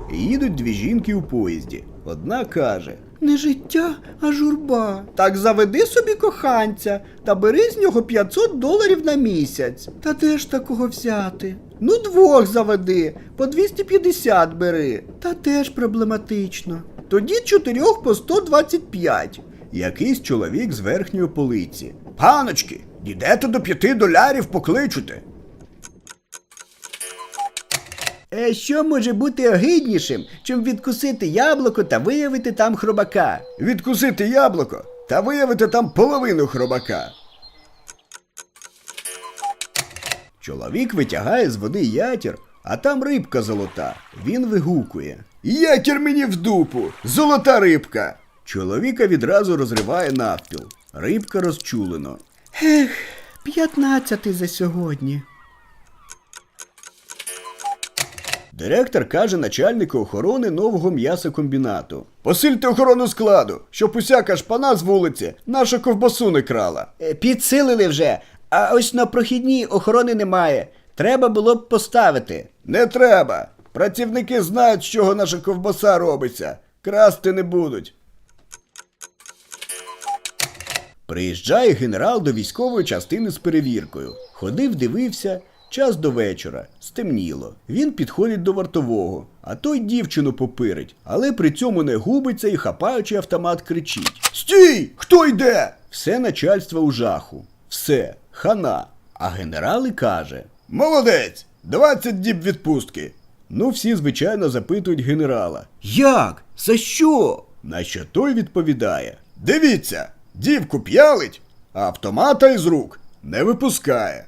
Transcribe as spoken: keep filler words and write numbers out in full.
Їдуть дві жінки у поїзді. Одна каже: Не життя, а журба. Так заведи собі коханця та бери з нього п'ятсот доларів на місяць. Та де ж такого взяти? Ну, двох заведи, по двісті п'ятдесят бери. Та теж проблематично. Тоді чотирьох по сто двадцять п'ять. Якийсь чоловік з верхньої полиці: Паночки, дійдете до п'яти долярів, покличете. Е, що може бути огиднішим, чим відкусити яблуко та виявити там хробака? Відкусити яблуко та виявити там половину хробака. Чоловік витягає з води ятір, а там рибка золота. Він вигукує: Ятір мені в дупу! Золота рибка! Чоловіка відразу розриває навпіл. Рибка розчулено: Ех, п'ятнадцятий за сьогодні. Директор каже начальнику охорони нового м'ясокомбінату: Посильте охорону складу, щоб усяка шпана з вулиці нашу ковбасу не крала. Е, підсилили вже, а ось на прохідній охорони немає. Треба було б поставити. Не треба. Працівники знають, з чого наша ковбаса робиться. Красти не будуть. Приїжджає генерал до військової частини з перевіркою. Ходив, дивився. Час до вечора. Стемніло. Він підходить до вартового, а той дівчину попирить, але при цьому не губиться і, хапаючи автомат, кричить: Стій! Хто йде? Все начальство у жаху. Все. Хана. А генерал і каже: Молодець! двадцять діб відпустки. Ну, всі, звичайно, запитують генерала: Як? За що? На що той відповідає: Дивіться, дівку п'ялить, а автомата із рук не випускає.